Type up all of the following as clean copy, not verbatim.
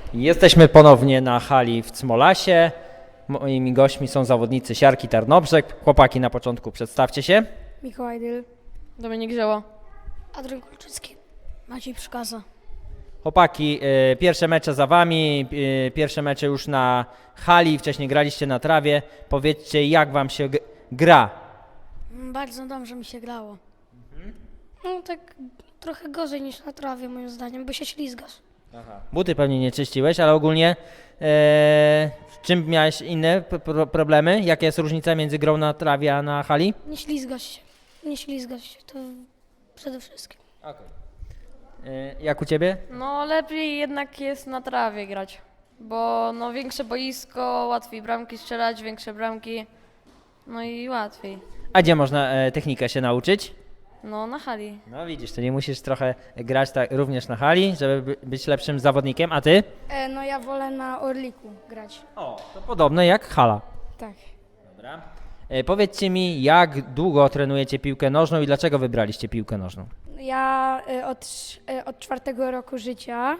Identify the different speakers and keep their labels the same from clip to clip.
Speaker 1: Jesteśmy ponownie na hali w Cmolasie. Moimi gośćmi są zawodnicy siarki Tarnobrzeg. Chłopaki, na początku przedstawcie się.
Speaker 2: Mikołaj Dyl,
Speaker 3: Dominik Zioło.
Speaker 2: Adrian Kolczycki, Maciej Przkaza.
Speaker 1: Chłopaki, pierwsze mecze za wami, pierwsze mecze już na hali, wcześniej graliście na trawie. Powiedzcie, jak wam się gra?
Speaker 2: Bardzo dobrze mi się grało. No tak trochę gorzej niż na trawie moim zdaniem, bo się ślizgasz.
Speaker 1: Buty pewnie nie czyściłeś, ale ogólnie w czym miałeś inne problemy? Jaka jest różnica między grą na trawie a na hali?
Speaker 2: Nie ślizgasz się. Nie ślizgasz się, to przede wszystkim.
Speaker 1: Jak u ciebie?
Speaker 3: No lepiej jednak jest na trawie grać, bo no większe boisko, łatwiej bramki strzelać, większe bramki, no i łatwiej.
Speaker 1: A gdzie można technikę się nauczyć?
Speaker 3: No na hali.
Speaker 1: No widzisz, to nie musisz trochę grać tak również na hali, żeby być lepszym zawodnikiem, a ty?
Speaker 2: No ja wolę na Orliku grać.
Speaker 1: O, to podobne jak hala.
Speaker 2: Tak.
Speaker 1: Dobra. Powiedzcie mi, jak długo trenujecie piłkę nożną i dlaczego wybraliście piłkę nożną?
Speaker 2: Ja od 4 roku życia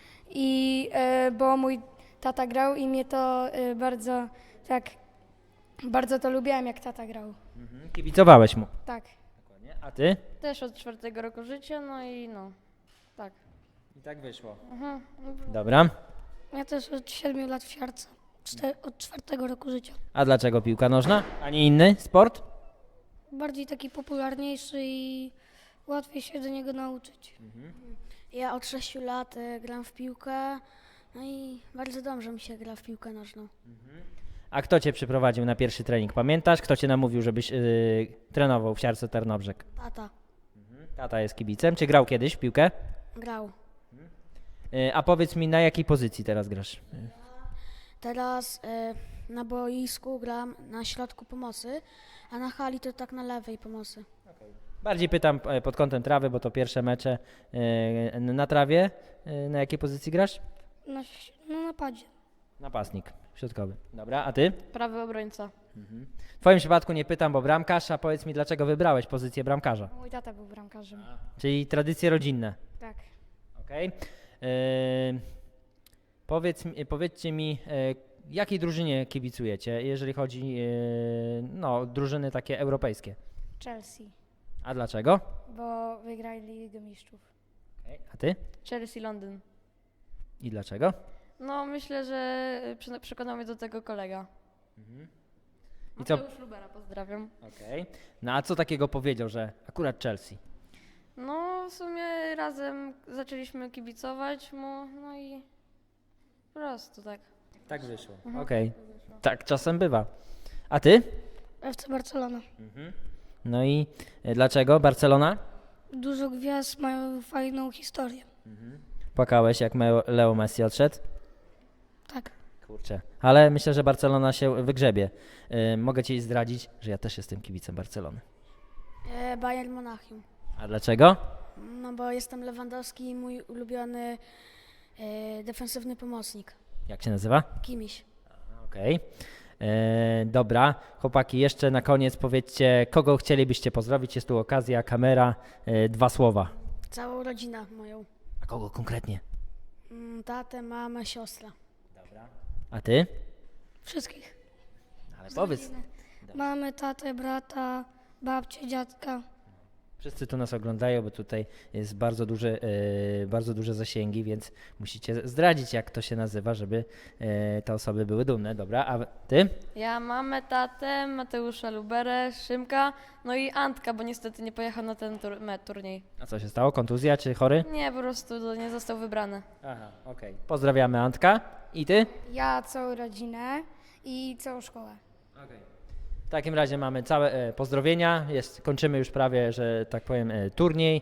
Speaker 2: bo mój tata grał i mnie to bardzo to lubiłem, jak tata grał.
Speaker 1: Kibicowałeś mu.
Speaker 2: Tak.
Speaker 1: A ty?
Speaker 3: Też od 4 roku życia, no i no, tak.
Speaker 1: I tak wyszło.
Speaker 3: Mhm.
Speaker 1: Dobra.
Speaker 2: Ja też od 7 lat w siarce. Od 4 roku życia.
Speaker 1: A dlaczego piłka nożna? A nie inny sport?
Speaker 2: Bardziej taki popularniejszy i łatwiej się do niego nauczyć. Ja od 6 lat gram w piłkę, no i bardzo dobrze mi się gra w piłkę nożną.
Speaker 1: A kto cię przyprowadził na pierwszy trening? Pamiętasz? Kto cię namówił, żebyś trenował w siarce Tarnobrzeg?
Speaker 2: Tata
Speaker 1: Tata jest kibicem. Czy grał kiedyś w piłkę?
Speaker 2: grał.
Speaker 1: A powiedz mi, na jakiej pozycji teraz grasz?
Speaker 2: Teraz na boisku gram na środku pomocy, a na hali to tak na lewej pomocy.
Speaker 1: Bardziej pytam pod kątem trawy, bo to pierwsze mecze na trawie. Na jakiej pozycji grasz?
Speaker 2: Na napadzie.
Speaker 1: Napastnik środkowy. Dobra, a ty?
Speaker 3: Prawy obrońca.
Speaker 1: W twoim przypadku nie pytam, bo bramkarz, a powiedz mi, dlaczego wybrałeś pozycję bramkarza?
Speaker 2: Mój tata był bramkarzem.
Speaker 1: Czyli tradycje rodzinne.
Speaker 2: Tak.
Speaker 1: Okej. Powiedzcie mi, jakiej drużynie kibicujecie, jeżeli chodzi o drużyny takie europejskie?
Speaker 2: Chelsea,
Speaker 1: A dlaczego?
Speaker 2: bo wygrali Ligę Mistrzów.
Speaker 1: A ty?
Speaker 3: Chelsea Londyn.
Speaker 1: I dlaczego?
Speaker 3: No myślę, że przekonał mnie do tego kolega.
Speaker 1: I co?
Speaker 3: Mateusz Lubera, pozdrawiam.
Speaker 1: Okej. No a co takiego powiedział, że akurat Chelsea?
Speaker 3: No w sumie razem zaczęliśmy kibicować mu, no i po prostu tak.
Speaker 1: Tak wyszło. Okej. Tak czasem bywa. A ty?
Speaker 2: FC Barcelona.
Speaker 1: No i dlaczego Barcelona?
Speaker 2: Dużo gwiazd mają fajną historię.
Speaker 1: Płakałeś, jak Leo Messi odszedł?
Speaker 2: Tak.
Speaker 1: Kurczę. Ale myślę, że Barcelona się wygrzebie. Mogę ci zdradzić, że ja też jestem kibicem Barcelony.
Speaker 2: Bayern Monachium.
Speaker 1: A dlaczego?
Speaker 2: No bo jestem Lewandowski i mój ulubiony defensywny pomocnik.
Speaker 1: Jak się nazywa?
Speaker 2: Kimiś.
Speaker 1: Okej. Dobra. Chłopaki, jeszcze na koniec powiedzcie, kogo chcielibyście pozdrowić. Jest tu okazja, kamera. 2 słowa.
Speaker 2: Całą rodzinę moją.
Speaker 1: A kogo konkretnie?
Speaker 2: Tatę, mamę, siostrę.
Speaker 1: A ty?
Speaker 2: Wszystkich.
Speaker 1: Ale powiedz.
Speaker 2: Mamy tatę, brata, babcię, dziadka.
Speaker 1: Wszyscy tu nas oglądają, bo tutaj jest bardzo duże zasięgi, więc musicie zdradzić, jak to się nazywa, żeby te osoby były dumne. Dobra, a ty?
Speaker 3: Ja mamę, tatę, Mateusza Luberę, Szymka, no i Antka, bo niestety nie pojechał na ten turniej.
Speaker 1: A co się stało? Kontuzja czy chory?
Speaker 3: Nie, po prostu nie został wybrany.
Speaker 1: Aha, okej. Pozdrawiamy Antka. I ty?
Speaker 2: Ja całą rodzinę i całą szkołę.
Speaker 1: W takim razie mamy całe pozdrowienia. Kończymy już prawie, że tak powiem, turniej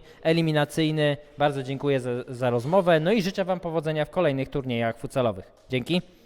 Speaker 1: eliminacyjny. Bardzo dziękuję za rozmowę. No i życzę wam powodzenia w kolejnych turniejach futsalowych. Dzięki.